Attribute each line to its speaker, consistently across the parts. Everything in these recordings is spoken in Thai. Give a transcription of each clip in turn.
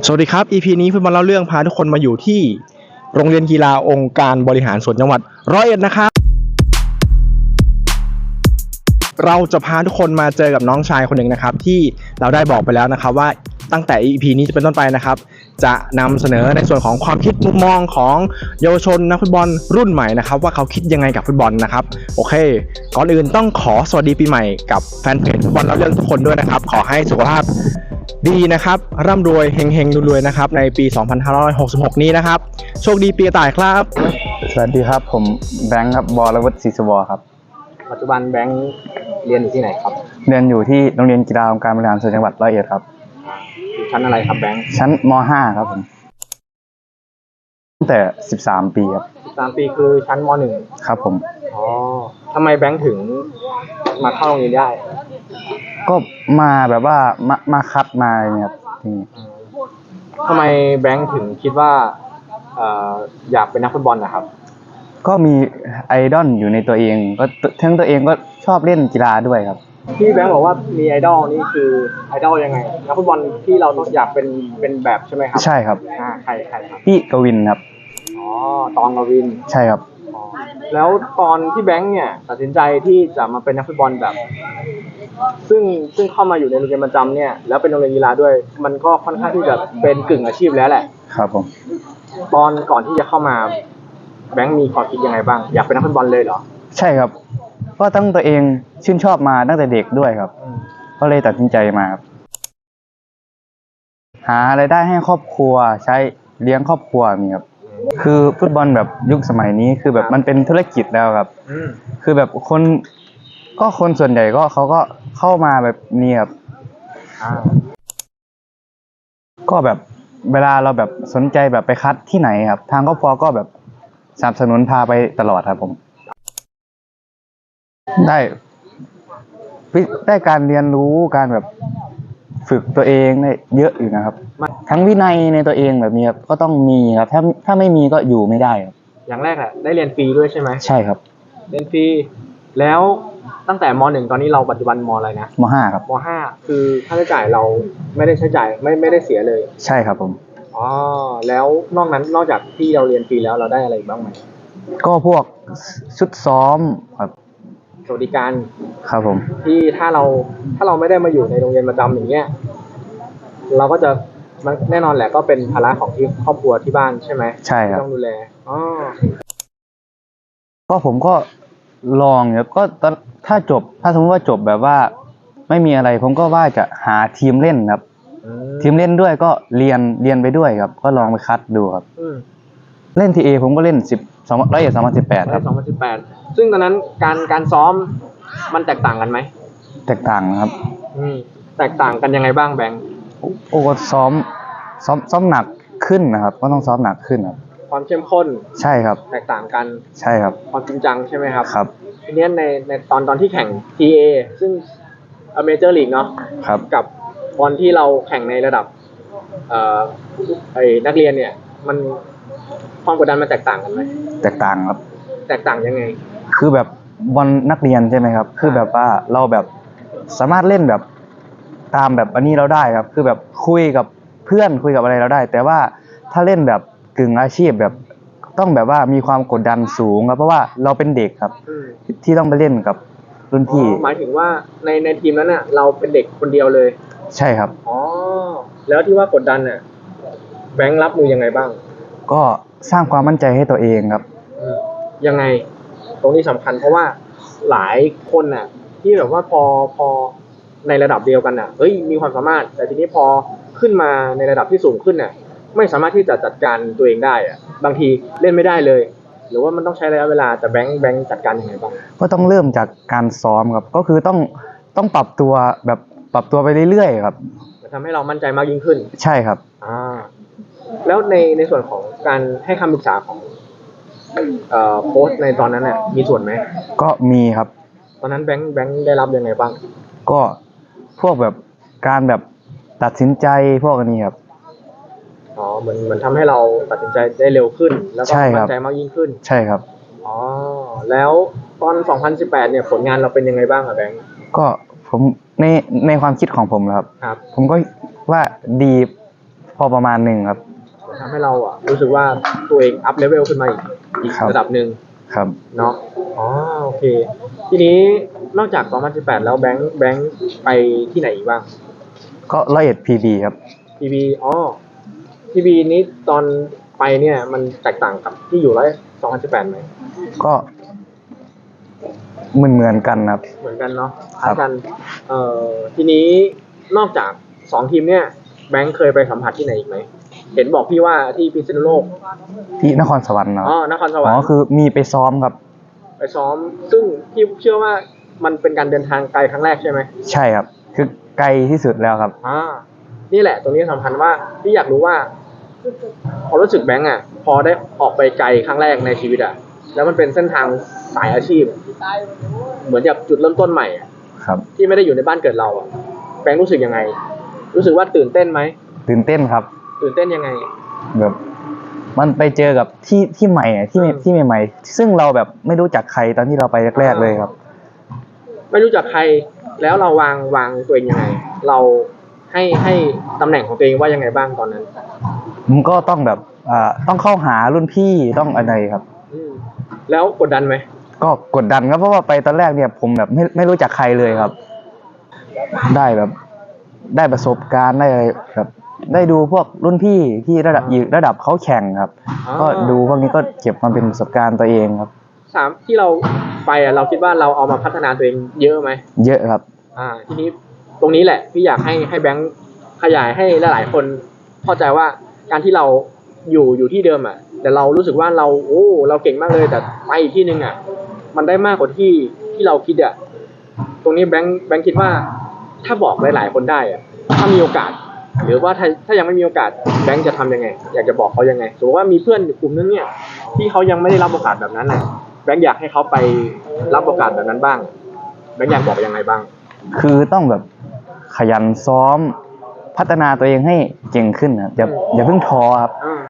Speaker 1: สวัสดีครับ EP นี้ฟุตบอลเล่าเรื่องพาทุกคนมาอยู่ที่โรงเรียนกีฬาองค์การบริหารส่วนจังหวัด101นะครับเราจะพาทุกคนมาเจอกับน้องชายคนหนึ่งนะครับที่เราได้บอกไปแล้วนะครับว่าตั้งแต่ EP นี้จะเป็นต้นไปนะครับจะนำเสนอในส่วนของความคิดมุมมองของเยาวชนนักฟุตบอลรุ่นใหม่นะครับว่าเขาคิดยังไงกับฟุตบอลนะครับโอเคก่อนอื่นต้องขอสวัสดีปีใหม่กับแฟนเพจฟุตบอลเล่าเรื่องทุกคนด้วยนะครับขอให้สุขภาพดีนะครับร่ำรวยเฮงๆรวยๆนะครับในปี 2566 นี้นะครับโชคดีปีกระต่ายครับ
Speaker 2: สวัสดีครับผมแบงค์ครับบรวุฒิศรีสวรครับ
Speaker 1: ปัจจุบันแบงค์เรียนอยู่ที่ไหนครับ
Speaker 2: เรียนอยู่ที่โรงเรียนกีฬาองค์การบริหารส่วนจังหวัด101ครับ
Speaker 1: อยู่ชั้นอะไรครับแบงค์
Speaker 2: ชั้นม.5 ครับผมตั้งแต่13 ปีครับ
Speaker 1: 13 ปีคือชั้นม.1
Speaker 2: ครับผม
Speaker 1: อ๋อทำไมแบงค์ถึงมาเข้าโรงเรียนได้
Speaker 2: ก็มาแบบว่ามาคัดมาอะไรเนี่ยครับ
Speaker 1: ทำไมแบงค์ถึงคิดว่าอยากเป็นนักฟุตบอลนะครับ
Speaker 2: ก็มีไอดอลอยู่ในตัวเองก็ทั้งตัวเองก็ชอบเล่นกีฬาด้วยครับ
Speaker 1: ที่แบงค์บอกว่ามีไอดอลนี่คือไอดอลยังไงนักฟุตบอลที่เราต้องอยากเป็นแบบใช่ไหมครับ
Speaker 2: ใช่ครับ
Speaker 1: ใครครับ
Speaker 2: พี่กวินครับ
Speaker 1: อ๋อตองกวิน
Speaker 2: ใช่ครับ
Speaker 1: แล้วตอนที่แบงค์เนี่ยตัดสินใจที่จะมาเป็นนักฟุตบอลแบบซึ่งเข้ามาอยู่ในโรงเรียนประจำเนี่ยแล้วเป็นโรงเรียนกีฬาด้วยมันก็ค่อนข้างที่จะเป็นกึ่งอาชีพแล้วแหละ
Speaker 2: ครับผม
Speaker 1: ตอนก่อนที่จะเข้ามาแบงค์มีความคิดยังไงบ้างอยากเป็นนักฟุตบอลเลยเหรอ
Speaker 2: ใช่ครับก็ตั้งตัวเองชื่นชอบมาตั้งแต่เด็กด้วยครับก็เลยตัดสินใจมาครับหารายได้ให้ครอบครัวใช้เลี้ยงครอบครัวมีครับคือฟุตบอลแบบยุคสมัยนี้คือแบบมันเป็นธุรกิจแล้วครับคือแบบคนส่วนใหญ่ก็เขาก็เข้ามาแบบนี้ครับก็แบบเวลาเราแบบสนใจแบบไปคัดที่ไหนครับทางครอบครัวก็แบบสนับสนุนพาไปตลอดครับผมได้การเรียนรู้การแบบฝึกตัวเองได้เยอะอยู่นะครับทั้งวินัยในตัวเองแบบนี้ครับก็ต้องมีครับถ้าไม่มีก็อยู่ไม่ได้ครับ
Speaker 1: อย่างแรกอะได้เรียนฟรีด้วยใช่ไหม
Speaker 2: ใช่ครับ
Speaker 1: เรียนฟรีแล้วตั้งแต่ม.1 ตอนนี้เราปัจจุบันม.อะไรนะ
Speaker 2: ม.5 ครับ
Speaker 1: ม.5 คือค่าใช้จ่ายเราไม่ได้ใช้จ่ายไม่ได้เสียเลย
Speaker 2: ใช่ครับผม
Speaker 1: อ๋อแล้วนอกจากที่เราเรียนฟรีแล้วเราได้อะไรบ้างไหม
Speaker 2: ก็พวกชุดซ้อมครับ
Speaker 1: สวัสดิการ
Speaker 2: ครับผม
Speaker 1: ที่ถ้าเราไม่ได้มาอยู่ในโรงเรียนประจำอย่างเงี้ยเราก็จะแน่นอนแหละก็เป็นภาระของที่ครอบครัวที่บ้านใช่ไหม
Speaker 2: ใช่ครับ
Speaker 1: ต้องดูแลอ๋อ
Speaker 2: ก็ผมก็ลองเนี่ยก็ถ้าสมมติว่าจบแบบว่าไม่มีอะไรผมก็ว่าจะหาทีมเล่นครับทีมเล่นด้วยก็เรียนไปด้วยครับก็ลองไปคัดดูครับเล่นทีเอผมก็เล่น2018ครับ
Speaker 1: ซึ่งตอนนั้นการซ้อมมันแตกต่างกันไหม
Speaker 2: แตกต่างครับ
Speaker 1: แตกต่างกันยังไงบ้างแบงค์
Speaker 2: โอ้ซ้อมหนักขึ้นนะครับก็ต้องซ้อมหนักขึ้นครับ
Speaker 1: ความเข้มข้น
Speaker 2: ใช่ครับ
Speaker 1: แตกต่างกัน
Speaker 2: ใช่ครับ
Speaker 1: ความจริงจังใช่ไหมครับ
Speaker 2: ครับ
Speaker 1: ทีนี้ในตอนที่แข่ง TA ซึ่งเมเจอร์ลีกเนาะ
Speaker 2: ครับ
Speaker 1: กับบอลที่เราแข่งในระดับนักเรียนเนี่ยมันความกดดันมันแตกต่างกันไหม
Speaker 2: แตกต่างครับ
Speaker 1: แตกต่างยังไง
Speaker 2: คือแบบบอลนักเรียนใช่ไหมครับคือแบบว่าเราแบบสามารถเล่นแบบตามแบบอันนี้เราได้ครับคือแบบคุยกับเพื่อนคุยกับอะไรเราได้แต่ว่าถ้าเล่นแบบกึ่งอาชีพแบบต้องแบบว่ามีความกดดันสูงครับเพราะว่าเราเป็นเด็กครับที่ต้องไปเล่นกับรุ่นพี่
Speaker 1: หมายถึงว่าในทีมนั้นน่ะเราเป็นเด็กคนเดียวเลย
Speaker 2: ใช่ครับ
Speaker 1: อ๋อแล้วที่ว่ากดดันน่ะแบงค์รับมือยังไงบ้าง
Speaker 2: ก็สร้างความมั่นใจให้ตัวเองครับ
Speaker 1: ยังไงตรงนี้สำคัญเพราะว่าหลายคนน่ะที่แบบว่าพอในระดับเดียวกันน่ะมีความสามารถแต่ทีนี้พอขึ้นมาในระดับที่สูงขึ้นน่ะไม่สามารถที่จะจัดการตัวเองได้อะบางทีเล่นไม่ได้เลยหรือว่ามันต้องใช้ระยะเวลาแต่แบงค์จัดการยังไงบ้าง
Speaker 2: ก็ต้องเริ่มจากการซ้อมครับก็คือต้องปรับตัวไปเรื่อยๆครับ
Speaker 1: จะทำให้เรามั่นใจมากยิ่งขึ้น
Speaker 2: ใช่ครับ
Speaker 1: แล้วในส่วนของการให้คำปรึกษาของโค้ชในตอนนั้นเนี่ยมีส่วนไหม
Speaker 2: ก็มีครับ
Speaker 1: ตอนนั้นแบงค์ได้รับยังไงบ้าง
Speaker 2: ก็พวกแบบการแบบตัดสินใจพวกนี้ครับ
Speaker 1: เหมือนทำให้เราตัดสินใจได้เร็วขึ้นแล้วก็มั่นใจมากยิ่งขึ้น
Speaker 2: ใช่ครับ
Speaker 1: แล้วตอน2018เนี่ยผลงานเราเป็นยังไงบ้างครับแบงค์
Speaker 2: ก็ผมในความคิดของผมครับผมก็ว่าดีพอประมาณหนึ่งครับ
Speaker 1: ทำให้เราอ่ะรู้สึกว่าตัวเองอัพเลเวลขึ้นมาอีก
Speaker 2: ครับ
Speaker 1: ระดับหนึ่ง
Speaker 2: ครับ
Speaker 1: เนาะอ๋อโอเค ทีนี้นอกจาก2018แล้วแบงค์ไปที่ไหนอีกบ้าง
Speaker 2: ก็101 PB ครับ
Speaker 1: PB อ๋อ PB นี้ตอนไปเนี่ยมันแตกต่างกับที่อยู่2018ไหม
Speaker 2: ก็เหมือนกันครับ
Speaker 1: เหมือนกันเนาะ
Speaker 2: ครั
Speaker 1: คล้า
Speaker 2: บ
Speaker 1: ยกันทีนี้นอกจาก2ทีมเนี่ยแบงค์เคยไปสัมผัสที่ไหนอีกไหมเห็นบอกพี่ว่าที่พิษณุโลก
Speaker 2: ที่นครสวรรค์เนาะ
Speaker 1: อ๋อนครสวร
Speaker 2: อ๋
Speaker 1: ร
Speaker 2: อ
Speaker 1: ค์
Speaker 2: คือมีไปซ้อมครับ
Speaker 1: ไปซ้อม ซึ่งพี่เชื่อว่ามันเป็นการเดินทางไกลครั้งแรกใช่ไหม
Speaker 2: ใช่ครับ คือไกลที่สุดแล้วครับ
Speaker 1: นี่แหละตรงนี้สำคัญว่าพี่อยากรู้ว่าความรู้สึกแบงค์อ่ะ พอได้ออกไปไกลครั้งแรกในชีวิตอ่ะ แล้วมันเป็นเส้นทางสายอาชีพ เหมือนกับจุดเริ่มต้นใหม่อะ
Speaker 2: ครับ
Speaker 1: ที่ไม่ได้อยู่ในบ้านเกิดเราอ่ะแบงค์รู้สึกยังไง รู้สึกว่าตื่นเต้นไหม
Speaker 2: ตื่นเต้นครับ
Speaker 1: ตื่นเต้นยังไง
Speaker 2: แบบมันไปเจอกับที่ใหม่อะที่ใหม่ๆซึ่งเราแบบไม่รู้จักใครตอนที่เราไปแรกๆเลยครับ
Speaker 1: ไม่รู้จักใครแล้วเราวางตัวเองยังไง เราให้ตำแหน่งของตัวเองว่ายังไงบ้างตอนนั้น
Speaker 2: มันก็ต้องแบบต้องเข้าหารุ่นพี่ต้องอะไรครับ
Speaker 1: แล้วกดดันไหม
Speaker 2: ก็กดดันครับเพราะว่าไปตอนแรกเนี่ยผมแบบไม่รู้จักใครเลยครับ ได้แบบได้ประสบการณ์ได้อะไรแบบได้ดูพวกรุ่นพี่ที่ระดับเขาแข่งครับ ก็ดูพวกนี้ก็เก็บมาเป็นประสบการณ์ตัวเองครับ
Speaker 1: ที่เราไปอ่ะเราคิดว่าเราเอามาพัฒนาตัวเองเยอะไหม
Speaker 2: เยอะครับ
Speaker 1: ทีนี้ตรงนี้แหละพี่อยากให้แบงค์ขยายให้หลายๆคนเข้าใจว่าการที่เราอยู่ที่เดิมอ่ะ แต่เรารู้สึกว่าเราเก่งมากเลยแต่ไปอีกที่นึงอ่ะ มันได้มากกว่าที่เราคิดอ่ะตรงนี้แบงค์คิดว่าถ้าบอกหลายๆคนได้อ่ะถ้ามีโอกาส หรือว่าถ้ายังไม่มีโอกาสแบงค์จะทำยังไง อยากจะบอกเขายังไงสมมติว่ามีเพื่อนกลุ่มนึงเนี่ยที่เขายังไม่ได้รับโอกาสแบบนั้นน่ะแบงค์อยากให้เขาไปรับโอกาสแบบนั้นบ้างแบงค์อยากบอกยังไงบ้าง
Speaker 2: คือต้องแบบขยันซ้อมพัฒนาตัวเองให้เก่งขึ้นครับอย่าเพิ่งท้อครับ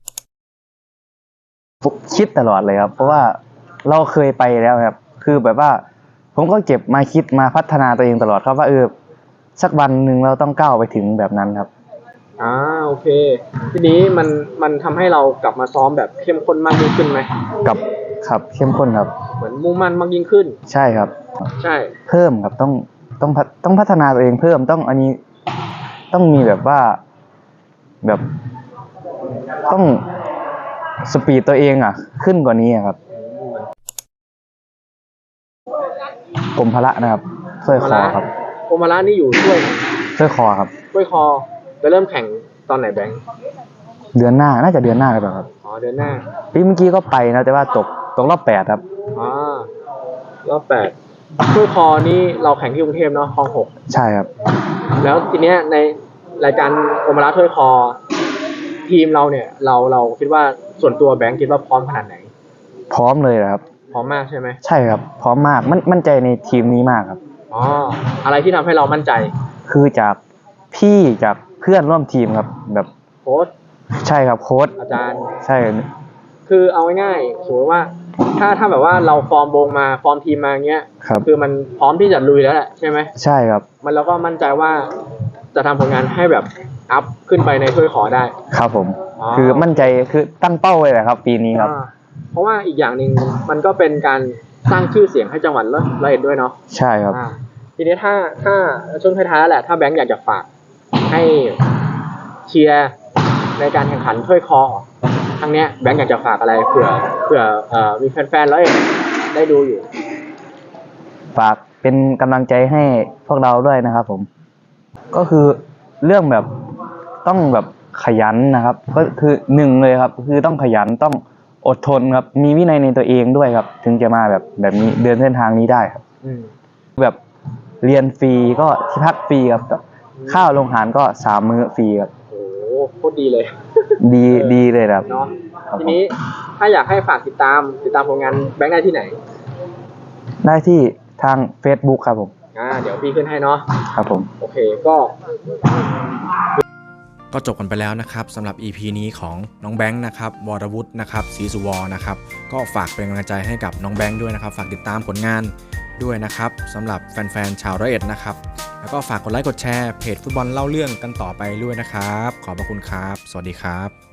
Speaker 2: คิดตลอดเลยครับ เพราะว่าเราเคยไปแล้วครับ คือแบบว่าผมก็เก็บมาคิดมาพัฒนาตัวเองตลอดครับว่าสักวันหนึ่งเราต้องก้าวไปถึงแบบนั้นครับ
Speaker 1: โอเค ทีนี้มันทำให้เรากลับมาซ้อมแบบเข้มข้นมากยิ่งขึ้นไหม
Speaker 2: ครับเข้มข้นครับ
Speaker 1: เหมือนมุ่งมั่นมากยิ่งขึ้น
Speaker 2: ใช่ครับ
Speaker 1: ใช่
Speaker 2: เพิ่มครับต้องพัฒนาตัวเองเพิ่มต้องอันนี้ต้องมีแบบว่าแบบต้องสปีดตัวเองขึ้นกว่านี้ครับกรมพละนะครับช่วยคอครับ
Speaker 1: โอมาระนี่อยู่ช่วย
Speaker 2: ช่วยคอครับ
Speaker 1: ช่วยคอจะเริ่มแข่งตอนไหนแบงค์
Speaker 2: เดือนหน้าน่าจะเดือนหน้าเลยเปล่าครับ
Speaker 1: เดือนหน้า
Speaker 2: ปีเมื่อกี้ก็ไปนะแต่ว่าตกรอบ8ครับ
Speaker 1: รอบ8ช่วยคอนี่เราแข่งที่กรุงเทพเนาะคลอง
Speaker 2: ใช่ครับ
Speaker 1: 6แล้วทีเนี้ยในรายการโอมาระถ้วยคอทีมเราเนี่ยเราคิดว่าส่วนตัวแบงค์คิดว่าพร้อมขนาดไหน
Speaker 2: พร้อมเลยครับ
Speaker 1: พร้อมมากใช่ไหม
Speaker 2: ใช่ครับ พร้อมมากมั่นใจในทีมนี้มากครับ
Speaker 1: อะไรที่ทำให้เรามั่นใจ
Speaker 2: คือจากพี่จากเพื่อนร่วมทีมครับแบบ
Speaker 1: โค้ช
Speaker 2: ใช่ครับโค้ช
Speaker 1: อาจารย์
Speaker 2: ใช่
Speaker 1: คือเอาง่ายๆสมมติว่าถ้าแบบว่าเราฟอร์มวงมาฟอร์มทีมมาเงี้ย
Speaker 2: ครับ
Speaker 1: คือมันพร้อมที่จะลุยแล้วแหละใช่ไหม
Speaker 2: ใช่ครับ
Speaker 1: มันเราก็มั่นใจว่าจะทำผลงานให้แบบอัพขึ้นไปในถ้วยขอได้
Speaker 2: ครับผม
Speaker 1: อ๋อ
Speaker 2: คือมั่นใจคือตั้งเป้าไว้แหละครับ ปีนี้ครับ
Speaker 1: เพราะว่าอีกอย่างหนึ่งมันก็เป็นการสร้างชื่อเสียงให้จังหวัดร้อยเอ็ดด้วยเนาะ
Speaker 2: ใช่ครับ
Speaker 1: ทีนี้ถ้าช่วงท้ายๆแล้วแหละถ้าแบงค์อยากจะฝากให้เชียร์ในการแข่งขันถ้วยคอครั้งเนี้ยแบงค์อยากจะฝากอะไรเผื่อมีแฟนๆร้อยเอ็ดได้ดูอยู่
Speaker 2: ฝากเป็นกำลังใจให้พวกเราด้วยนะครับผม ก็คือเรื่องแบบต้องแบบขยันนะครับ ก็คือ1เลยครับ คือต้องขยันต้องอดทนครับ มีวินัยในตัวเองด้วยครับ ถึงจะมาแบบนี้เดินเส้นทางนี้ได้ครับแบบเรียนฟรีก็ที่พักฟรีครับข้าวโรงอาหารก็3 มื้อฟรีครับ
Speaker 1: โอ้โหโคตรดีเลย
Speaker 2: ดีเลยครับ
Speaker 1: เนาะทีนี้ถ้าอยากให้ฝากติดตามผลงานแบงค์ได้ที่ไหน
Speaker 2: ได้ที่ทาง Facebook ครับผม
Speaker 1: เดี๋ยวพี่ขึ้นให้เนาะ
Speaker 2: ครับผม
Speaker 1: โอเคก็จบกันไปแล้วนะครับสำหรับ EP นี้ของน้องแบงค์นะครับวรวุฒินะครับศรีสุวรรณนะครับก็ฝากเป็นกำลังใจให้กับน้องแบงค์ด้วยนะครับฝากติดตามผลงานด้วยนะครับสำหรับแฟนๆชาวร้อยเอ็ดนะครับแล้วก็ฝากกดไลค์กดแชร์เพจฟุตบอลเล่าเรื่องกันต่อไปด้วยนะครับขอบพระคุณครับสวัสดีครับ